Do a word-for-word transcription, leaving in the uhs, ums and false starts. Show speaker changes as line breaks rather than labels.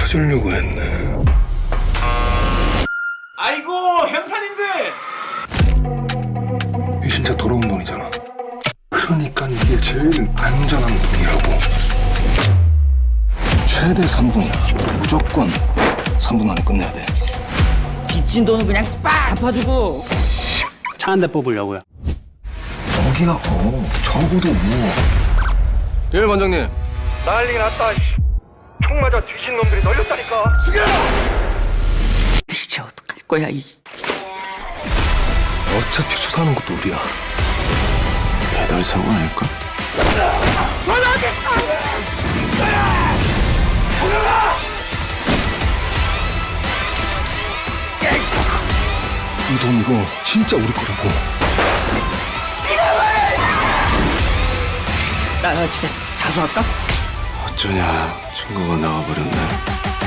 찾으려고 했네.
아이고 형사님들.
이게 진짜 더러운 돈이잖아. 그러니까 이게 제일 안전한 돈이라고.
최대 삼 분이야. 무조건 삼 분 안에 끝내야 돼.
빚진 돈은 그냥 빡 갚아주고.
차 한 대 뽑으려고요.
여기가 어 적어도 뭐.
예, 반장님.
난리가 났다. 총 맞아 뒤진 놈들이 널렸다니까.
이제 어떡할 거야 이.
어차피 수사하는 것도 우리야.
배달 사고 아닐까?
이 돈 이거 진짜 우리 거라고.
나 진짜 자수할까?
어쩌냐, 증거가 나와버렸네.